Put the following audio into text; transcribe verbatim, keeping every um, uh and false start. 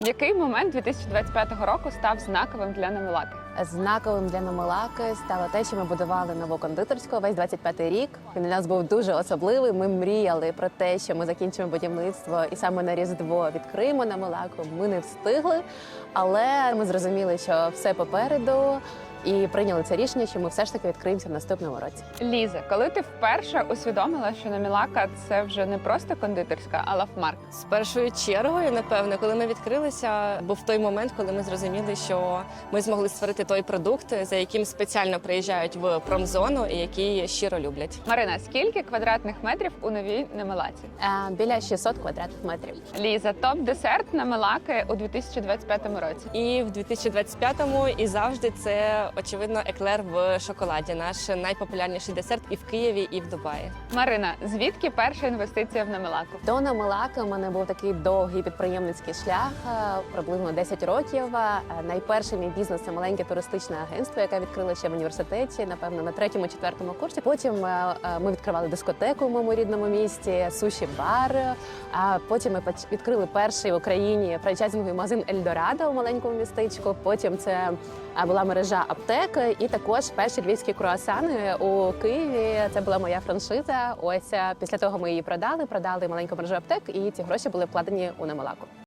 Який момент дві тисячі двадцять п'ятого року став знаковим для Намилаки? Знаковим для Намилаки стало те, що ми будували нову кондитерську весь двадцять п'ятий рік. Він для нас був дуже особливий. Ми мріяли про те, що ми закінчимо будівництво і саме на Різдво відкриємо Намилаку. Ми не встигли, але ми зрозуміли, що все попереду. І прийняли це рішення, що ми все ж таки відкриємося в наступному році. Ліза, коли ти вперше усвідомила, що Намилака – це вже не просто кондитерська, а лавмарк? З першою чергою, напевно, коли ми відкрилися, був той момент, коли ми зрозуміли, що ми змогли створити той продукт, за яким спеціально приїжджають в промзону і який щиро люблять. Марина, скільки квадратних метрів у новій Намилаці? Е, Біля шістсот квадратних метрів. Ліза, топ-десерт Намилаки у дві тисячі двадцять п'ятому році? І в дві тисячі двадцять п'ятому і завжди це, очевидно, еклер в шоколаді. Наш найпопулярніший десерт і в Києві, і в Дубаї. Марина, звідки перша інвестиція в Намилаку? До Намилаки у мене був такий довгий підприємницький шлях, е, приблизно десять років. Е, Найперший мій бізнес – це маленьке туристичне агентство, яке відкрили ще в університеті, напевно, на третьому-четвертому курсі. Потім е, е, ми відкривали дискотеку в моєму рідному місті, суші-бар. А потім ми поч- відкрили перший в Україні франчайзинговий магазин «Ельдорадо» у маленькому містечку. Потім це е, була мережа аптек і також перші львівські круасани у Києві. Це була моя франшиза. Ось е, після того ми її продали, продали маленьку мережу аптек, і ці гроші були вкладені у Намилаку.